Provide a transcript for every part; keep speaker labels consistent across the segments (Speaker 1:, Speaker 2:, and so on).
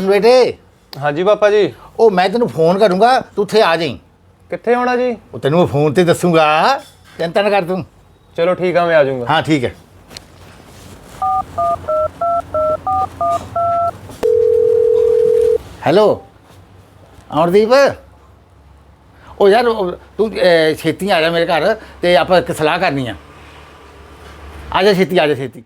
Speaker 1: बेटे।
Speaker 2: हाँ जी पापा जी।
Speaker 1: ओ मैं तेन फोन करूँगा तू उत्थे आ जाई।
Speaker 2: कित्थे होना जी?
Speaker 1: वो तेन मैं फोन ते दसूँगा, चिंता ना कर तू।
Speaker 2: चलो ठीक है, मैं आ जाऊँगा।
Speaker 1: हाँ ठीक है। हेलो अमरदीप, ओ यार तू छेती आ जा मेरे घर ते आपां इक सलाह करनी आ। आ जा छेती, आ जा छेती।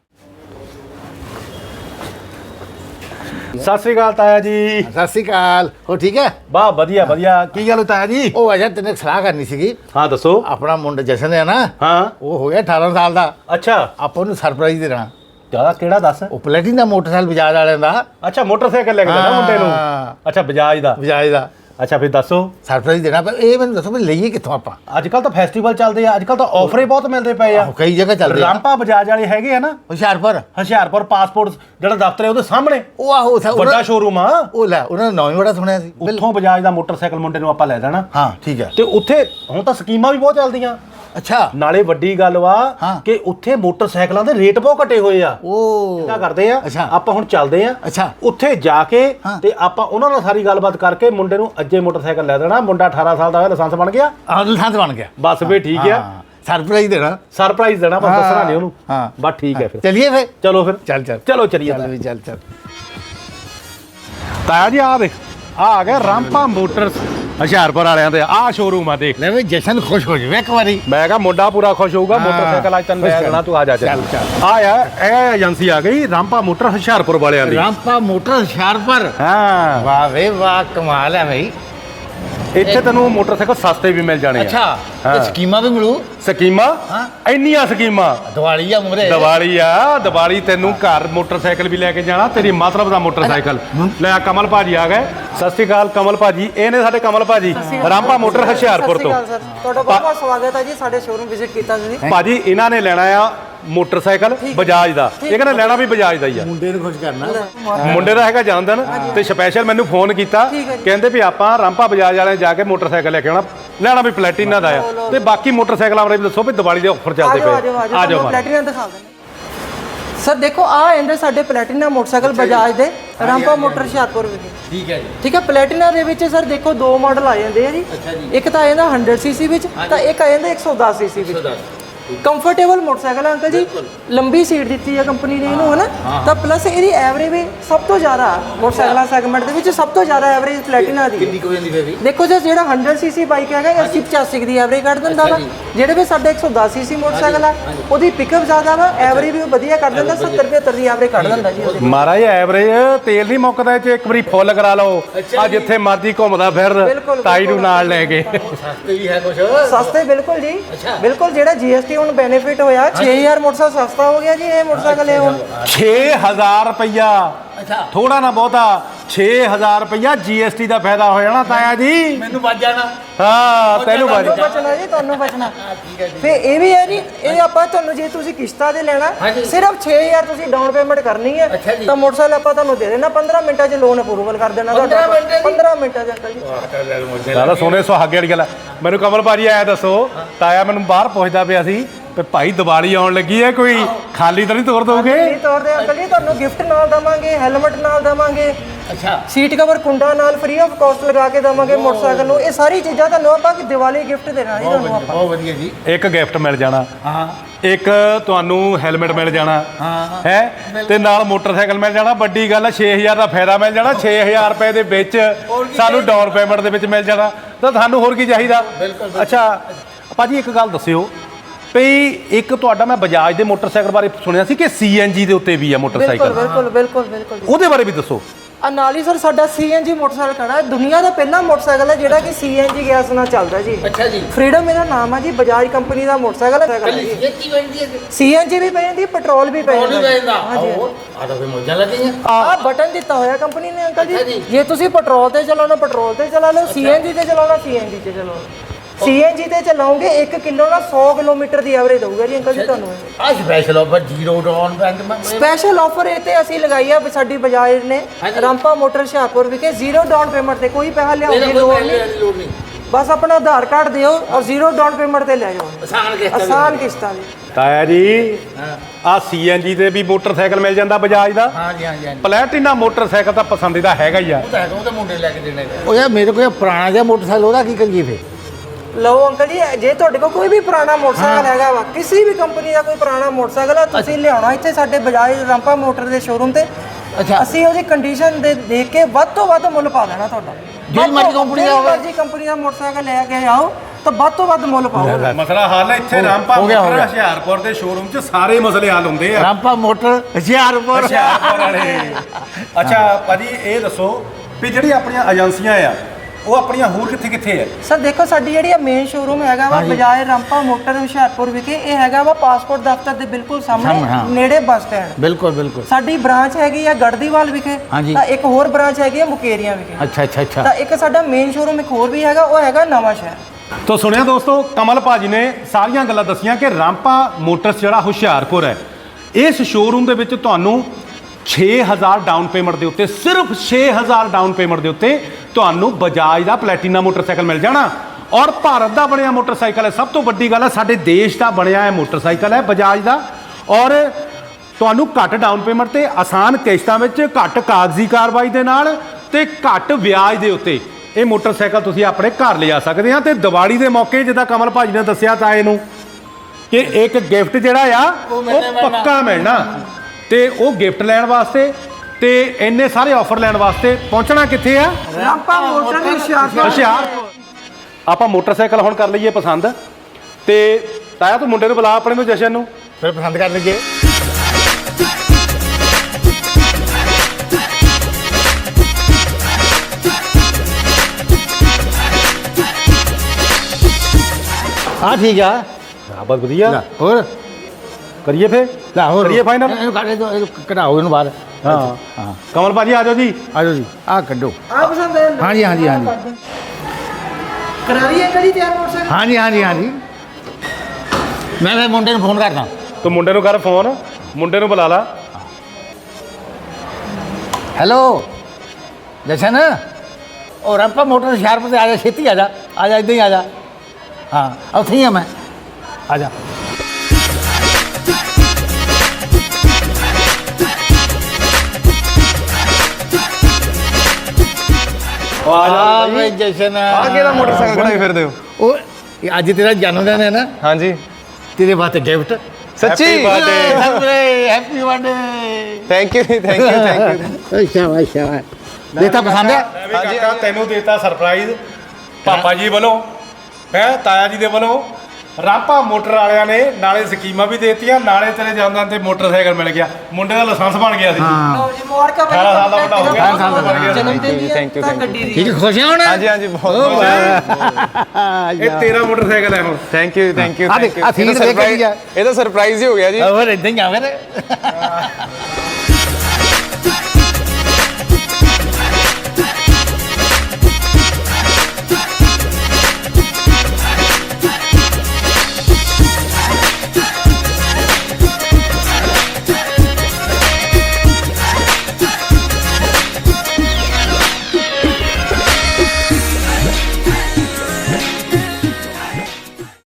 Speaker 3: सत श्री अकाल ताया जी।
Speaker 1: सत श्री अकाल। हो ठीक है?
Speaker 3: वाह वधिया वधिया। की गल ताया जी?
Speaker 1: ओ आ जा तेने एक सलाह करनी सीगी।
Speaker 3: हाँ दसो।
Speaker 1: अपना मुंडा जशन है ना,
Speaker 3: हाँ
Speaker 1: वो हो गया 18 साल का।
Speaker 3: अच्छा
Speaker 1: ਆਪਾਂ ਉਹਨੂੰ ਸਰਪ੍ਰਾਈਜ਼ ਦੇਣਾ।
Speaker 3: ਜਿਆਦਾ ਕਿਹੜਾ ਦੱਸ?
Speaker 1: ਉਹ ਪਲੈਟੀਨਾ ਮੋਟਰਸਾਈਕਲ ਬਜਾਜ ਵਾਲਿਆਂ ਦਾ।
Speaker 3: ਅੱਛਾ ਮੋਟਰਸਾਈਕਲ ਲੈ ਕੇ ਦੇਣਾ ਮੁੰਡੇ ਨੂੰ। ਅੱਛਾ ਬਜਾਜ ਦਾ।
Speaker 1: ਬਜਾਜ ਦਾ।
Speaker 3: ਅੱਛਾ ਫਿਰ ਦੱਸੋ।
Speaker 1: ਸਰਪ੍ਰਾਈਜ਼ ਦੇਣਾ, ਪਰ ਇਹ ਮੈਨੂੰ ਦੱਸੋ ਵੀ ਲਈਏ ਕਿੱਥੋਂ ਆਪਾਂ?
Speaker 3: ਅੱਜ ਕੱਲ ਤਾਂ ਫੈਸਟੀਵਲ ਚੱਲਦੇ ਆ, ਅੱਜ ਕੱਲ ਤਾਂ ਆਫਰ ਹੀ ਬਹੁਤ ਮਿਲਦੇ ਪਏ ਆ।
Speaker 1: ਕਈ ਜਗ੍ਹਾ ਚੱਲਦੇ ਆ।
Speaker 3: ਰਾਮਪਾ ਬਜਾਜ ਵਾਲੇ ਹੈਗੇ ਆ ਨਾ ਹੁਸ਼ਿਆਰਪੁਰ ਪਾਸਪੋਰਟ ਜਿਹੜਾ ਦਫ਼ਤਰ ਹੈ ਉਹਦੇ ਸਾਹਮਣੇ।
Speaker 1: ਉਹ ਆਹੋ
Speaker 3: ਵੱਡਾ ਸ਼ੋਰੂਮ ਆ।
Speaker 1: ਉਹ ਲੈ ਉਹਨਾਂ ਦਾ ਨਾਮ ਹੀ ਬੜਾ ਸੁਣਿਆ ਸੀ।
Speaker 3: ਉੱਥੋਂ ਬਜਾਜ ਦਾ ਮੋਟਰਸਾਈਕਲ ਮੁੰਡੇ ਨੂੰ ਆਪਾਂ ਲੈ ਦੇਣਾ।
Speaker 1: ਹਾਂ ਠੀਕ ਹੈ।
Speaker 3: ਤੇ ਉੱਥੇ ਹੁਣ ਤਾਂ ਸਕੀਮਾਂ ਵੀ ਬਹੁਤ ਚੱਲਦੀਆਂ।
Speaker 1: ਅੱਛਾ
Speaker 3: ਨਾਲੇ ਵੱਡੀ ਗੱਲ ਵਾ ਕਿ ਉੱਥੇ ਮੋਟਰਸਾਈਕਲਾਂ ਦੇ ਰੇਟ ਬਹੁਤ ਘਟੇ ਹੋਏ ਆ।
Speaker 1: ਉਹ
Speaker 3: ਕੀ ਕਰਦੇ ਆ? ਆਪਾਂ ਹੁਣ ਚੱਲਦੇ ਆ ਉੱਥੇ ਜਾ ਕੇ ਤੇ ਆਪਾਂ ਉਹਨਾਂ ਨਾਲ ਸਾਰੀ ਗੱਲਬਾਤ ਕਰਕੇ ਮੁੰਡੇ ਨੂੰ ਅੱਜੇ ਮੋਟਰਸਾਈਕਲ ਲੈ ਦੇਣਾ। ਮੁੰਡਾ 18 ਸਾਲ ਦਾ ਹੋਇਆ, ਲਾਇਸੈਂਸ ਬਣ ਗਿਆ।
Speaker 1: ਹਾਂ ਲਾਇਸੈਂਸ ਬਣ ਗਿਆ।
Speaker 3: ਬਸ ਵੀ ਠੀਕ ਆ।
Speaker 1: ਸਰਪ੍ਰਾਈਜ਼ ਦੇਣਾ।
Speaker 3: ਬਸ ਦੱਸਣਾ ਨਹੀਂ ਉਹਨੂੰ। ਬਸ ਠੀਕ ਹੈ ਫਿਰ
Speaker 1: ਚਲਿਏ ਫਿਰ।
Speaker 3: ਚਲੋ ਫਿਰ ਚਲੋ ਚਲੀਏ।
Speaker 1: ਚੱਲ
Speaker 3: ਤਾਇਆ ਜੀ ਆ ਦੇਖ, ਆ ਗਿਆ ਰਾਮਪਾ ਮੋਟਰਸ ਹੁਸ਼ਿਆਰਪੁਰ ਵਾਲਿਆਂ ਦੇ। ਆ ਸ਼ੋਰੂਮ ਆ ਦੇਖ
Speaker 1: ਲੈ ਵੀ ਜਸ਼ਨ ਖੁਸ਼ ਹੋ ਜਾਵੇ ਇੱਕ ਵਾਰੀ।
Speaker 3: ਮੈਂ ਕਿਹਾ ਮੁੰਡਾ ਪੂਰਾ ਖੁਸ਼ ਹੋਊਗਾ। ਮੋਟਰਸਾਈਕਲ ਅੱਜ ਤੈਨੂੰ ਲੈ ਦੇਣਾ, ਤੂੰ ਆ ਜਾ। ਚੱਲ ਆ ਯਾਰ ਇਹ ਏਜੰਸੀ ਆ ਗਈ ਰਾਮਪਾ ਮੋਟਰ ਹੁਸ਼ਿਆਰਪੁਰ ਵਾਲਿਆਂ ਦੀ।
Speaker 1: ਰਾਮਪਾ ਮੋਟਰ ਹੁਸ਼ਿਆਰਪੁਰ।
Speaker 3: ਹਾਂ
Speaker 1: ਵਾਹ ਵੇ ਵਾਹ, ਕਮਾਲ ਹੈ ਭਾਈ।
Speaker 3: ਇੱਥੇ ਤੈਨੂੰ ਮੋਟਰਸਾਈਕਲ ਸਸਤੇ ਵੀ ਮਿਲ ਜਾਣੇ ਆ।
Speaker 1: ਅੱਛਾ ਤੇ ਸਕੀਮਾਂ ਵੀ ਮਿਲੂ?
Speaker 3: ਸਕੀਮਾਂ ਇੰਨੀਆਂ ਸਕੀਮਾਂ।
Speaker 1: ਦੀਵਾਲੀ ਆ ਮੂਹਰੇ।
Speaker 3: ਦੀਵਾਲੀ ਤੈਨੂੰ ਘਰ ਮੋਟਰਸਾਈਕਲ ਵੀ ਲੈ ਕੇ ਜਾਣਾ, ਤੇਰੀ ਮਤਲਬ ਦਾ ਮੋਟਰਸਾਈਕਲ ਲੈ। ਕਮਲ ਭਾਜੀ ਆ ਗਏ। ਸਤਿ ਸ਼੍ਰੀ ਅਕਾਲ ਕਮਲ ਭਾਜੀ। ਇਹ ਨੇ ਸਾਡੇ ਕਮਲ ਭਾਜੀ ਰਾਮਪਾ ਮੋਟਰ ਹੁਸ਼ਿਆਰਪੁਰ ਤੋਂ।
Speaker 4: ਤੁਹਾਡਾ ਬਹੁਤ ਬਹੁਤ ਸਵਾਗਤ ਹੈ ਜੀ, ਸਾਡੇ ਸ਼ੋਰੂਮ ਵਿਜ਼ਿਟ ਕੀਤਾ ਤੁਸੀਂ।
Speaker 3: ਭਾਜੀ ਇਹਨਾਂ ਨੇ ਲੈਣਾ ਆ ਮੋਟਰਸਾਈਕਲ ਬਜਾਜ ਦਾ। ਇਹ ਕਹਿੰਦੇ ਲੈਣਾ ਵੀ ਬਜਾਜ ਦਾ ਹੀ ਆ।
Speaker 1: ਮੁੰਡੇ ਨੂੰ ਖੁਸ਼ ਕਰਨਾ।
Speaker 3: ਮੁੰਡੇ ਦਾ ਹੈਗਾ ਜਨਮ ਦਿਨ ਤੇ ਸਪੈਸ਼ਲ ਮੈਨੂੰ ਫੋਨ ਕੀਤਾ, ਕਹਿੰਦੇ ਵੀ ਆਪਾਂ ਰਾਮਪਾ ਬਜਾਜ ਵਾਲਿਆਂ ਜਾ ਕੇ ਮੋਟਰਸਾਈਕਲ ਲੈ ਕੇ ਆਉਣਾ। ਲੈਣਾ ਵੀ ਪਲੈਟੀਨਾ ਦਾ ਆ। ਤੇ ਬਾਕੀ ਮੋਟਰਸਾਈਕਲਾਂ ਬਾਰੇ ਵੀ ਦੱਸੋ ਵੀ ਦੀਵਾਲੀ ਦੇ ਆਫਰ ਚੱਲਦੇ ਪਏ। ਆ ਜਾਓ
Speaker 4: ਪਲੈਟੀਨਾ ਦਿਖਾ ਦਿੰਦੇ ਸਰ। ਦੇਖੋ ਆ ਇਹਦੇ ਸਾਡੇ ਪਲੈਟੀਨਾ ਮੋਟਰਸਾਈਕਲ ਬਜਾਜ ਦੇ ਰਾਮਪਾ ਮੋਟਰ ਹੁਸ਼ਿਆਰਪੁਰ ਵਿਖੇ।
Speaker 1: ਠੀਕ ਹੈ ਜੀ।
Speaker 4: ਠੀਕ ਹੈ। ਪਲੈਟੀਨਾ ਦੇ ਵਿੱਚ ਸਰ ਦੇਖੋ ਦੋ ਮਾਡਲ ਆ ਜਾਂਦੇ ਆ ਜੀ। ਇੱਕ ਤਾਂ ਆ ਜਾਂਦਾ 100 ਸੀਸੀ ਵਿੱਚ, ਤਾਂ ਇੱਕ ਆ ਜਾਂਦਾ 110 ਸੀਸੀ ਵਿੱਚ। ਕੰਫਰਟੇਬਲ ਮੋਟਰਸਾਈਕਲ ਹੈ ਅੰਕਲ ਜੀ। ਲੰਬੀ ਸੀਟ ਦਿੱਤੀ ਹੈ ਕੰਪਨੀ ਨੇ ਇਹਨੂੰ, ਹਨਾ। ਤਾਂ ਪਲੱਸ ਇਹਦੀ ਐਵਰੇਜ ਵੀ ਸਭ ਤੋਂ ਜ਼ਿਆਦਾ ਮੋਟਰਸਾਈਕਲਾਂ ਸੈਗਮੈਂਟ ਦੇ ਵਿੱਚ ਸਭ ਤੋਂ ਜ਼ਿਆਦਾ ਐਵਰੇਜ ਪਲੈਟੀਨਾ ਦੀ।
Speaker 1: ਕਿੰਨੀ ਕੁ ਜਾਂਦੀ ਫੇਰ?
Speaker 4: ਦੇਖੋ ਜੀ ਜਿਹੜਾ 100 ਸੀਸੀ ਬਾਈਕ ਹੈਗਾ 80-85 ਦੀ ਐਵਰੇਜ ਕੱਢ ਦਿੰਦਾ ਵਾ। ਜਿਹੜੇ ਵੀ ਸਾਡੇ 110 ਸੀਸੀ ਮੋਟਰਸਾਈਕਲ ਆ ਉਹਦੀ ਪਿਕਅਪ ਜ਼ਿਆਦਾ ਵਾ, ਐਵਰੇਜ ਵੀ ਵਧੀਆ ਕੱਢ ਦਿੰਦਾ। 70-75 ਦੀ ਐਵਰੇਜ ਕੱਢ ਦਿੰਦਾ ਜੀ ਉਹਦੀ।
Speaker 3: ਮਹਾਰਾਜ ਐਵਰੇਜ ਤੇਲ ਨਹੀਂ ਮੁੱਕਦਾ ਚ। ਇੱਕ ਵਾਰੀ ਫੁੱਲ ਕਰਾ ਲਓ। ਆ ਜਿੱਥੇ ਮਰਜ਼ੀ ਘੁੰਮਦਾ ਫਿਰ ਤਾਈ ਨੂੰ ਨਾਲ ਲੈ ਕੇ।
Speaker 1: ਸਸਤੇ ਵੀ ਹੈ ਕੁਛ?
Speaker 4: ਸਸਤੇ ਬਿਲਕੁਲ ਜੀ, ਬਿਲਕੁਲ। ਜਿਹੜਾ GST ਹੁਣ ਬੈਨੀਫਿਟ ਹੋਇਆ 6000 ਮੋਟਰਸਾਈਕਲ ਸਸਤਾ ਹੋ ਗਿਆ ਜੀ। ਇਹ ਮੋਟਰਸਾਈਕਲ ਇਹ ਹੁਣ
Speaker 3: 6000 ਰੁਪਇਆ। ਥੋੜਾ ਨਾ ਬਹੁਤਾ 6000 ਰੁਪਇਆ GST ਦਾ ਫਾਇਦਾ ਹੋ ਜਾਣਾ ਤਾਇਆ ਜੀ।
Speaker 1: ਮੈਨੂੰ ਵੱਜ ਜਾਣਾ।
Speaker 3: ਹਾਂ ਤੈਨੂੰ
Speaker 4: ਬਚਣਾ ਜੀ, ਤੁਹਾਨੂੰ ਬਚਣਾ। ਫੇ ਇਹ ਵੀ ਹੈ ਜੀ, ਇਹ ਆਪਾਂ ਤੁਹਾਨੂੰ ਜੇ ਤੁਸੀਂ ਕਿਸ਼ਤਾਂ ਤੇ ਲੈਣਾ ਸਿਰਫ 6000 ਤੁਸੀਂ ਡਾਊਨ ਪੇਮੈਂਟ ਕਰਨੀ ਹੈ ਤਾਂ ਮੋਟਰਸਾਈਕਲ ਆਪਾਂ ਤੁਹਾਨੂੰ ਦੇ ਦੇਣਾ। 15 ਮਿੰਟਾਂ 'ਚ ਲੋਨ ਅਪਰੂਵਲ ਕਰ ਦੇਣਾ ਤੁਹਾਡਾ। 15 ਮਿੰਟਾਂ 'ਚ ਅੰਕਲ ਜੀ।
Speaker 3: ਦਾਦਾ ਸੋਨੇ ਸੁਹਾਗੇ ਵਾਲੀ ਗੱਲ ਆ। ਮੈਨੂੰ ਕਮਲ ਭਾਜੀ ਆਇਆ ਦੱਸੋ, ਤਾਇਆ ਮੈਨੂੰ ਬਾਹਰ ਪੁੱਛਦਾ ਪਿਆ ਸੀ ਤੇ ਭਾਈ ਦੀਵਾਲੀ ਆਉਣ ਲੱਗੀ ਹੈ, ਕੋਈ ਖਾਲੀ ਤਾਂ ਨਹੀਂ ਤੋਰ ਦੋਗੇ?
Speaker 4: ਨਹੀਂ ਤੋਰਦੇ ਅੰਕਲ ਜੀ, ਤੁਹਾਨੂੰ ਗਿਫਟ ਨਾਲ ਦਵਾਂਗੇ, ਹੈਲਮਟ ਨਾਲ ਦਵਾਂਗੇ।
Speaker 1: ਅੱਛਾ
Speaker 4: ਸੀਟ ਕਵਰ ਕੁੰਡਾ ਨਾਲ ਫ੍ਰੀ ਆਫ ਕਾਸਟ ਲਗਾ ਕੇ ਦਵਾਂਗੇ ਮੋਟਰਸਾਈਕਲ ਨੂੰ। ਇਹ ਸਾਰੀ ਚੀਜ਼ਾਂ ਤੁਹਾਨੂੰ ਆਪਾਂ ਦੀਵਾਲੀ ਗਿਫਟ ਦੇਣਾ ਜੀ ਤੁਹਾਨੂੰ ਆਪਾਂ।
Speaker 1: ਬਹੁਤ ਵਧੀਆ ਜੀ।
Speaker 3: ਇੱਕ ਗਿਫਟ ਮਿਲ ਜਾਣਾ।
Speaker 1: ਹਾਂ
Speaker 3: ਇੱਕ ਤੁਹਾਨੂੰ ਹੈਲਮਟ ਮਿਲ ਜਾਣਾ ਹੈ ਤੇ ਨਾਲ ਮੋਟਰਸਾਈਕਲ ਮਿਲ ਜਾਣਾ। ਵੱਡੀ ਗੱਲ 6000 ਦਾ ਫਾਇਦਾ ਮਿਲ ਜਾਣਾ। 6000 ਰੁਪਏ ਦੇ ਵਿੱਚ ਸਾਨੂੰ ਡਾਊਨ ਪੇਮੈਂਟ ਦੇ ਵਿੱਚ ਮਿਲ ਜਾਣਾ। ਤਾਂ ਤੁਹਾਨੂੰ ਹੋਰ ਕੀ ਚਾਹੀਦਾ? ਅੱਛਾ ਭਾਜੀ ਇੱਕ ਗੱਲ ਦੱਸਿਓ ਭਈ, ਇੱਕ ਤੁਹਾਡਾ ਮੈਂ ਬਜਾਜ ਦੇ ਮੋਟਰਸਾਈਕਲ ਬਾਰੇ ਸੁਣਿਆ ਸੀ ਕਿ CNG ਦੇ ਉੱਤੇ ਵੀ ਆ ਮੋਟਰਸਾਈਕਲ।
Speaker 4: ਬਿਲਕੁਲ
Speaker 3: ਉਹਦੇ ਬਾਰੇ ਵੀ ਦੱਸੋ।
Speaker 4: ਨਾਲ ਹੀ ਸਰ ਸਾਡਾ CNG ਮੋਟਰਸਾਈਕਲ ਖੜਾ ਹੈ। ਦੁਨੀਆ ਦਾ ਪਹਿਲਾ ਮੋਟਰਸਾਈਕਲ ਹੈ ਜਿਹੜਾ ਕਿ CNG ਗੈਸ ਨਾਲ ਚੱਲਦਾ ਜੀ।
Speaker 1: ਅੱਛਾ ਜੀ।
Speaker 4: ਫਰੀडम ਇਹਦਾ ਨਾਮ ਹੈ ਜੀ। ਬਜਾਜ ਕੰਪਨੀ ਦਾ ਮੋਟਰਸਾਈਕਲ ਹੈ। CNG ਵੀ ਪੈ ਜਾਂਦੀ, ਪੈਟਰੋਲ ਵੀ ਪੈ ਜਾਂਦਾ। ਹਾਂਜੀ
Speaker 1: ਆ ਤਾਂ ਫੇ ਮੌਜਾਂ ਲੱਗੀਆਂ।
Speaker 4: ਆ ਬਟਨ ਦਿੱਤਾ ਹੋਇਆ ਕੰਪਨੀ ਨੇ ਅੰਕਲ ਜੀ। ਜੇ ਤੁਸੀਂ ਪੈਟਰੋਲ ਤੇ ਚਲਾਉਣਾ ਪੈਟਰੋਲ ਤੇ ਚਲਾ ਲਓ, CNG ਤੇ ਚਲਾਉਣਾ CNG ਤੇ ਚਲਾਓ। CNG ਤੇ ਚਲਾਉਂਗੇ 1 ਕਿਲੋ ਨਾਲ 100 ਕਿਲੋਮੀਟਰ ਦੀ ਐਵਰੇਜ ਦਊਗਾ ਜੀ ਅੰਕਲ ਜੀ ਤੁਹਾਨੂੰ।
Speaker 1: ਆ special offer 0 down payment.
Speaker 4: Special offer ਇਹ ਤੇ ਅਸੀਂ ਲਗਾਈ ਆ ਸਾਡੀ ਬਜਾਜ ਨੇ ਰਾਮਪਾ ਮੋਟਰ ਹੁਸ਼ਿਆਰਪੁਰ ਵਿਖੇ 0 ਡਾਊਨ ਪੇਮੈਂਟ ਤੇ ਕੋਈ ਪੈਸਾ ਲਿਆਉਣ ਦੀ ਲੋੜ ਨਹੀਂ। ਬਸ ਆਪਣਾ ਆਧਾਰ ਕਾਰਡ ਦਿਓ ਔਰ 0 ਡਾਊਨ ਪੇਮੈਂਟ ਤੇ ਲੈ ਜਾਓ। ਆਸਾਨ ਕਿਸ਼ਤਾਂ ਦੀ।
Speaker 3: ਤਾਇਆ ਜੀ ਆ ਸੀਐਨਜੀ ਤੇ ਵੀ ਮੋਟਰਸਾਈਕਲ ਮਿਲ ਜਾਂਦਾ ਬਜਾਜ ਦਾ।
Speaker 1: ਹਾਂਜੀ ਹਾਂਜੀ ਹਾਂਜੀ
Speaker 3: ਪਲੈਟੀਨਾ ਮੋਟਰਸਾਈਕਲ ਤਾਂ ਪਸੰਦੀਦਾ ਹੈਗਾ ਹੀ ਆ।
Speaker 1: ਉਹ ਤਾਂ ਹੈਗਾ, ਉਹ ਤਾਂ ਮੁੰਡੇ ਲੈ ਕੇ ਦੇਣੇ। ਉਹ ਯਾਰ ਮੇਰੇ ਕੋਲ ਪੁਰਾਣਾ ਜਿਹਾ ਮੋਟਰਸਾਈਕਲ, ਉਹਦਾ ਕੀ ਕਰੀਏ ਫੇ?
Speaker 4: ਲਓ ਅੰਕਲ ਜੀ, ਜੇ ਤੁਹਾਡੇ ਕੋਲ ਕੋਈ ਵੀ ਪੁਰਾਣਾ ਮੋਟਰਸਾਈਕਲ ਹੈਗਾ ਵਾ, ਕਿਸੇ ਵੀ ਕੰਪਨੀ ਦਾ ਕੋਈ ਪੁਰਾਣਾ ਮੋਟਰਸਾਈਕਲ ਆ, ਤੁਸੀਂ ਲਿਆਉਣਾ ਇੱਥੇ ਸਾਡੇ ਬਜਾਜ ਰਾਮਪਾ ਮੋਟਰ ਦੇ ਸ਼ੋਰੂਮ ਤੇ।
Speaker 1: ਅੱਛਾ।
Speaker 4: ਅਸੀਂ ਉਹਦੀ ਕੰਡੀਸ਼ਨ ਦੇ ਦੇਖ ਕੇ ਵੱਧ ਤੋਂ ਵੱਧ ਮੁੱਲ ਪਾ ਦੇਣਾ ਤੁਹਾਡਾ।
Speaker 1: ਜਿਹੜੀ ਮਰਜ਼ੀ ਕੰਪਨੀ ਦਾ ਹੋਵੇ।
Speaker 4: ਜਿਹੜੀ ਮਰਜ਼ੀ ਕੰਪਨੀ ਦਾ ਮੋਟਰਸਾਈਕਲ ਲੈ ਕੇ ਆਓ ਤਾਂ ਵੱਧ ਤੋਂ ਵੱਧ ਮੁੱਲ ਪਾਓ।
Speaker 3: ਮਸਲਾ ਹੱਲ ਹੈ ਇੱਥੇ ਰਾਮਪਾ
Speaker 1: ਹੋ ਗਿਆ, ਹੋ
Speaker 3: ਮੋਟਰ
Speaker 1: ਗਿਆ।
Speaker 3: ਹੁਸ਼ਿਆਰਪੁਰ ਦੇ ਸ਼ੋਰੂਮ 'ਚ ਸਾਰੇ ਮਸਲੇ ਹੱਲ ਹੁੰਦੇ ਆ।
Speaker 1: ਰਾਮਪਾ ਮੋਟਰ ਹੁਸ਼ਿਆਰਪੁਰ।
Speaker 3: ਹੁਸ਼ਿਆਰਪੁਰ ਵਾਲੇ। ਅੱਛਾ ਭਾਜੀ ਇਹ ਦੱਸੋ ਵੀ ਜਿਹੜੀ ਆਪਣੀਆਂ ਏਜੰਸੀਆਂ ਆ ਉਹ ਆਪਣੀਆਂ ਹੋਰ ਕਿੱਥੇ ਕਿੱਥੇ ਆ?
Speaker 4: ਸਰ ਦੇਖੋ, ਸਾਡੀ ਜਿਹੜੀ ਮੇਨ ਸ਼ੋਰੂਮ ਹੈਗਾ ਵਾ ਬਜਾਜ ਰਾਮਪਾ ਮੋਟਰ ਹੁਸ਼ਿਆਰਪੁਰ ਵਿਖੇ, ਇਹ ਹੈਗਾ ਵਾ ਪਾਸਪੋਰਟ ਦਫ਼ਤਰ ਦੇ ਬਿਲਕੁਲ
Speaker 1: ਸਾਹਮਣੇ,
Speaker 4: ਸਾਹਮਣੇ
Speaker 1: ਹਾਂ।
Speaker 4: ਨੇੜੇ ਬੱਸ ਸਟੈਂਡ।
Speaker 1: ਬਿਲਕੁਲ ਬਿਲकुल।
Speaker 4: ਸਾਡੀ ਬ੍ਰਾਂਚ ਹੈਗੀ ਆ ਗੜਦੀਵਾਲ ਵਿਖੇ,
Speaker 1: ਹਾਂਜੀ।
Speaker 4: ਤਾਂ ਇੱਕ ਹੋਰ ਬ੍ਰਾਂਚ ਹੈਗੀ ਆ ਮੁਕੇਰੀਆਂ ਵਿਖੇ।
Speaker 1: ਅੱਛਾ ਅੱਛਾ ਅੱਛਾ।
Speaker 4: ਤਾਂ ਇੱਕ ਸਾਡਾ ਮੇਨ ਸ਼ੋਰੂਮ ਇੱਕ ਹੋਰ ਵੀ ਹੈਗਾ, ਉਹ ਹੈਗਾ ਨਵਾਂ ਸ਼ਹਿਰ।
Speaker 3: ਤੋ ਸੁਣਿਆ ਦੋਸਤੋ, ਕਮਲ ਭਾਜੀ ਨੇ ਸਾਰੀਆਂ ਗੱਲਾਂ ਦੱਸੀਆਂ ਕਿ ਰਾਮਪਾ ਮੋਟਰਸ ਜਿਹੜਾ ਹੁਸ਼ਿਆਰਪੁਰ ਹੈ, ਇਸ ਸ਼ੋਰੂਮ ਦੇ ਵਿੱਚ ਤੁਹਾਨੂੰ 6000 ਡਾਊਨ ਪੇਮੈਂਟ ਦੇ ਉੱਤੇ, ਸਿਰਫ 6000 ਡਾਊਨ ਪੇਮੈਂਟ ਦੇ ਉੱਤੇ ਤੁਹਾਨੂੰ ਬਜਾਜ ਦਾ ਪਲੈਟੀਨਾ ਮੋਟਰਸਾਈਕਲ ਮਿਲ ਜਾਣਾ। ਔਰ ਭਾਰਤ ਦਾ ਬਣਿਆ ਮੋਟਰਸਾਈਕਲ ਹੈ। ਸਭ ਤੋਂ ਵੱਡੀ ਗੱਲ ਹੈ, ਸਾਡੇ ਦੇਸ਼ ਦਾ ਬਣਿਆ ਹੈ ਮੋਟਰਸਾਈਕਲ ਹੈ ਬਜਾਜ ਦਾ। ਔਰ ਤੁਹਾਨੂੰ ਘੱਟ ਡਾਊਨ ਪੇਮੈਂਟ ਤੇ ਆਸਾਨ ਕਿਸ਼ਤਾਂ ਵਿੱਚ, ਘੱਟ ਕਾਗਜ਼ੀ ਕਾਰਵਾਈ ਦੇ ਨਾਲ ਤੇ ਘੱਟ ਵਿਆਜ ਦੇ ਉੱਤੇ ਇਹ ਮੋਟਰਸਾਈਕਲ ਤੁਸੀਂ ਆਪਣੇ ਘਰ ਲਿਜਾ ਸਕਦੇ ਆ। ਤੇ ਦੀਵਾਲੀ ਦੇ ਮੌਕੇ ਜਿੱਦਾਂ ਕਮਲ ਭਾਜੀ ਨੇ ਦੱਸਿਆ ਤਾਏ ਨੂੰ ਕਿ ਇੱਕ ਗਿਫਟ ਜਿਹੜਾ ਆ ਉਹ ਪੱਕਾ ਮਿਲਣਾ, ਤੇ ਉਹ ਗਿਫਟ ਲੈਣ ਵਾਸਤੇ ਤੇ ਇੰਨੇ ਸਾਰੇ ਆਫਰ ਲੈਣ ਵਾਸਤੇ ਪਹੁੰਚਣਾ ਕਿੱਥੇ ਆ?
Speaker 4: ਰਾਮਪਾ ਮੋਟਰ ਹੁਸ਼ਿਆਰਪੁਰ।
Speaker 3: ਹੁਸ਼ਿਆਰਪੁਰ। ਆਪਾਂ ਮੋਟਰਸਾਈਕਲ ਹੁਣ ਕਰ ਲਈਏ ਪਸੰਦ, ਤੇ ਤਾਇਆ ਤੂੰ ਮੁੰਡੇ ਨੂੰ ਬੁਲਾ ਆਪਣੇ ਨੂੰ, ਜਸ਼ਨ ਨੂੰ।
Speaker 1: ਫਿਰ ਪਸੰਦ ਕਰ ਲਈਏ। ਹਾਂ ਠੀਕ ਆ।
Speaker 3: ਬਸ ਵਧੀਆ।
Speaker 1: ਹੋਰ
Speaker 3: ਕਰੀਏ ਫੇ,
Speaker 1: ਲੈ ਹੋਰ
Speaker 3: ਕਰੀਏ ਫਾਈਨਲ।
Speaker 1: ਇਹਨੂੰ ਕੱਢ ਦਿਓ, ਇਹਨੂੰ ਕਢਾਓ ਇਹਨੂੰ ਬਾਹਰ।
Speaker 3: ਹਾਂ
Speaker 1: ਹਾਂ
Speaker 3: ਕਮਲ ਭਾਜੀ ਆ ਜਾਓ ਜੀ।
Speaker 1: ਆ ਜਾਓ ਜੀ, ਆਹ ਕੱਢੋ।
Speaker 4: ਆ ਪਸੰਦ ਹੈ?
Speaker 1: ਹਾਂਜੀ ਹਾਂਜੀ ਹਾਂਜੀ
Speaker 4: ਕਰਾ ਰਹੀ ਹੈ ਕਦੀ ਤਿਆਰ ਮੋਟਰਸਾਈਕਲ?
Speaker 1: ਹਾਂਜੀ ਹਾਂਜੀ ਹਾਂਜੀ। ਮੈਂ ਫਿਰ ਮੁੰਡੇ ਨੂੰ ਫੋਨ ਕਰਦਾ।
Speaker 3: ਤੂੰ ਮੁੰਡੇ ਨੂੰ ਕਰ ਫੋਨ, ਮੁੰਡੇ ਨੂੰ ਬੁਲਾ ਲਾ।
Speaker 1: ਹੈਲੋ ਜਸ਼ਨ, ਉਹ ਰਾਮਪਾ ਮੋਟਰ ਹੁਸ਼ਿਆਰਪੁਰ ਤੇ ਆ ਜਾ, ਛੇਤੀ ਆ ਜਾ, ਆ ਜਾ, ਇੱਦਾਂ ਹੀ ਆ ਜਾ। ਹਾਂ ਉੱਥੇ ਹੀ ਆ ਮੈਂ, ਆ ਜਾ। ਆ ਬਈ ਜਸ਼ਨ,
Speaker 2: ਆ ਕਿਹੜਾ ਮੋਟਰਸਾਈਕਲ ਕਢਾਈ ਫਿਰਦੇ ਹੋ?
Speaker 1: ਉਹ ਇਹ ਅੱਜ ਤੇਰਾ ਜਨਮ ਦਿਨ ਹੈ ਨਾ,
Speaker 2: ਹਾਂਜੀ
Speaker 1: ਤੇਰੇ ਵਾਸਤੇ ਗਿਫਟ।
Speaker 2: ਸੱਚੀ?
Speaker 1: Happy birthday.
Speaker 2: Thank you thank you thank you.
Speaker 1: ਸ਼ਾਬਾਸ਼ ਸ਼ਾਬਾਸ਼। ਦੇਤਾ ਪਸੰਦ ਹੈ?
Speaker 3: ਹਾਂਜੀ ਕਾਕਾ ਤੈਨੂੰ ਦੇਤਾ ਸਰਪ੍ਰਾਈਜ਼ ਪਾਪਾ ਜੀ ਵੱਲੋਂ, ਹੈ ਤਾਇਆ ਜੀ ਦੇ ਵੱਲੋਂ। ਰਾਮਪਾ ਮੋਟਰ ਵਾਲਿਆਂ ਨੇ ਨਾਲੇ ਸਕੀਮਾਂ ਵੀ ਦੇਤੀਆਂ, ਨਾਲੇ ਤੇਰੇ ਜਾਂਦਾਂ ਤੇ ਮੋਟਰਸਾਈਕਲ ਮਿਲ ਗਿਆ। ਮੁੰਡੇ ਦਾ ਲਾਇਸੈਂਸ ਬਣ ਗਿਆ ਸੀ।
Speaker 1: ਹਾਂ
Speaker 4: ਲਓ ਜੀ, ਮੁਬਾਰਕਾਂ ਭਾਈ।
Speaker 3: 18 ਸਾਲ ਦਾ ਵੱਡਾ ਹੋ ਗਿਆ।
Speaker 1: 18 ਸਾਲ ਦਾ ਬਣ ਗਿਆ।
Speaker 4: ਜਨਮ ਦਿਨ ਦੀ
Speaker 2: Thank you,
Speaker 4: ਤਾਂ
Speaker 2: thank you।
Speaker 4: ਗੱਡੀ ਦੀ
Speaker 1: ਠੀਕ ਹੈ, ਖੁਸ਼ ਹੈ ਹੁਣ?
Speaker 2: ਹਾਂਜੀ ਹਾਂਜੀ ਬਹੁਤ
Speaker 3: ਇਹ ਤੇਰਾ ਮੋਟਰਸਾਈਕਲ ਹੈ ਹੁਣ।
Speaker 2: ਥੈਂਕ ਯੂ ਥੈਂਕ ਯੂ
Speaker 1: ਆ ਦੇਖ, ਆ ਸੀਟ ਦੇਖ ਕਿਹੜੀ ਆ।
Speaker 2: ਇਹ ਤਾਂ ਸਰਪ੍ਰਾਈਜ਼ ਹੀ ਹੋ ਗਿਆ ਜੀ।
Speaker 1: ਹੋਰ ਇਦਾਂ ਹੀ ਆ ਫਿਰ।